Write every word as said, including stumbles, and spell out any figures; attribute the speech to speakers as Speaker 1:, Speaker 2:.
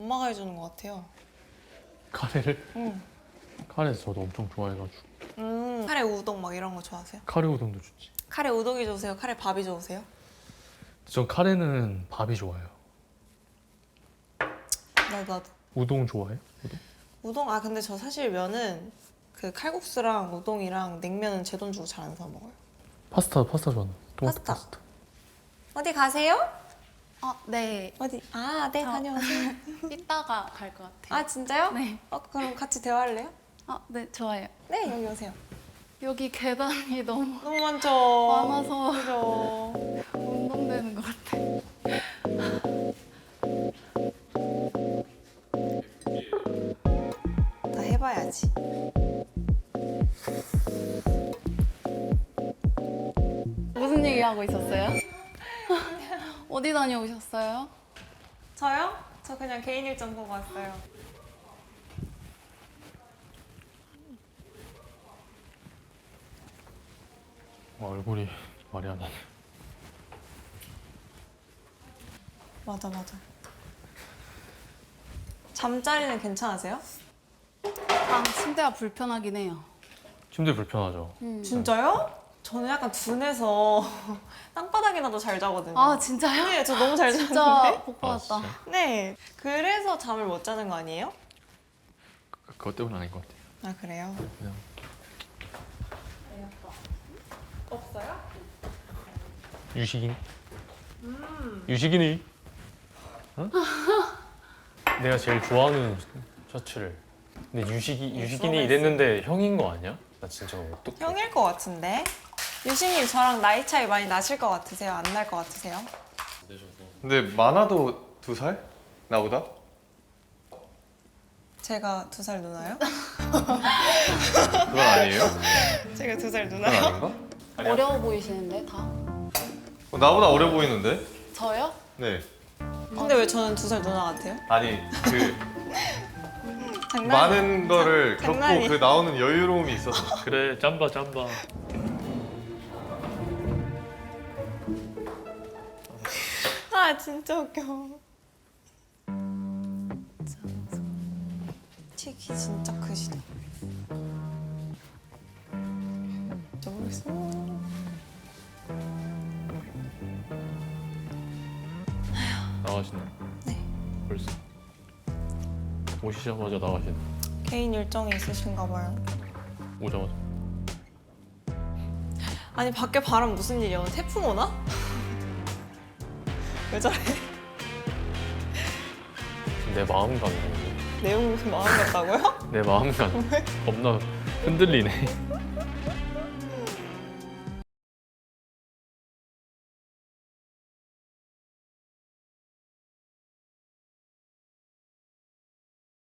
Speaker 1: 엄마가 해주는 것 같아요.
Speaker 2: 카레를?
Speaker 1: 응.
Speaker 2: 카레 저도 엄청 좋아해가지고.
Speaker 1: 음, 카레 우동 막 이런 거 좋아하세요?
Speaker 2: 카레 우동도 좋지.
Speaker 1: 카레 우동이 좋으세요? 카레 밥이 좋으세요?
Speaker 2: 전 카레는 밥이 좋아요.
Speaker 1: 나도 나도.
Speaker 2: 우동 좋아해? 우동?
Speaker 1: 우동? 아 근데 저 사실 면은 그 칼국수랑 우동이랑 냉면은 제 돈 주고 잘 안 사 먹어요.
Speaker 2: 파스타 파스타 좋아하는. 토마토
Speaker 1: 파스타.
Speaker 2: 파스타.
Speaker 1: 어디 가세요?
Speaker 3: 어, 네.
Speaker 1: 어디? 아, 네,
Speaker 3: 저-
Speaker 1: 다녀오세요.
Speaker 3: 이따가 갈 것 같아요.
Speaker 1: 아, 진짜요?
Speaker 3: 네.
Speaker 1: 어, 그럼 같이 대화할래요?
Speaker 3: 아, 네, 좋아요.
Speaker 1: 네, 여기 오세요.
Speaker 3: 여기 계단이 너무
Speaker 1: 너무 많죠?
Speaker 3: 많아서
Speaker 1: 그죠?
Speaker 3: 운동되는 것 같아요.
Speaker 1: 다 해봐야지.
Speaker 3: 무슨 얘기 하고 있었어요? 어디 다녀오셨어요?
Speaker 1: 저요? 저 그냥 개인 일정 보고 왔어요.
Speaker 2: 아, 얼굴이 말이 안 나네.
Speaker 1: 맞아, 맞아. 잠자리는 괜찮으세요?
Speaker 3: 아, 침대가 불편하긴 해요.
Speaker 2: 침대 불편하죠.
Speaker 3: 음.
Speaker 1: 진짜요? 저는 약간 둔해서 땅바닥이나도 잘 자거든요.
Speaker 3: 아, 진짜요?
Speaker 1: 네, 저 너무 잘
Speaker 3: 진짜
Speaker 1: 자는데.
Speaker 3: 복
Speaker 2: 아,
Speaker 3: 받았다.
Speaker 2: 진짜?
Speaker 1: 네, 그래서 잠을 못 자는 거 아니에요?
Speaker 2: 그- 그것 때문은 아닌 것 같아요.
Speaker 1: 아, 그래요?
Speaker 2: 그냥
Speaker 1: 없어요?
Speaker 2: 유식인. 유식인이. 어? 내가 제일 좋아하는 셔츠를. 근데 유식이
Speaker 1: 네,
Speaker 2: 유식인이
Speaker 1: 서비스.
Speaker 2: 이랬는데 형인 거 아니야? 나 진짜 어떡해.
Speaker 1: 형일 것 같은데? 유신님 저랑 나이 차이 많이 나실 것 같으세요? 안 날 것 같으세요?
Speaker 4: 근데 많아도 두 살? 나보다?
Speaker 1: 제가 두 살 누나요?
Speaker 4: 그건 아니에요?
Speaker 1: 제가 두 살
Speaker 4: 그건
Speaker 1: 누나요?
Speaker 4: 아닌가?
Speaker 3: 어려워 보이시는데, 다?
Speaker 4: 어, 나보다 어려 보이는데?
Speaker 3: 저요?
Speaker 4: 네.
Speaker 1: 근데 왜 저는 두 살 누나 같아요?
Speaker 4: 아니 그
Speaker 1: 장난.
Speaker 4: 많은 거를 겪고
Speaker 1: 장난이에요.
Speaker 4: 그 나오는 여유로움이 있어서.
Speaker 2: 그래 짬바 짬바.
Speaker 1: 아 진짜 웃겨. 틱이 진짜 크시다. 진짜 모르겠어.
Speaker 2: 나가시네.
Speaker 1: 네.
Speaker 2: 벌써. 오시자마자 나가시네.
Speaker 1: 개인 일정이 있으신가 봐요.
Speaker 2: 오자마자.
Speaker 1: 아니 밖에 바람 무슨 일이야? 오늘 태풍 오나? 왜 저래?
Speaker 2: 내 마음 가는
Speaker 1: 내용 마음 같다고요?
Speaker 2: 내 마음 가는 겁나 흔들리네.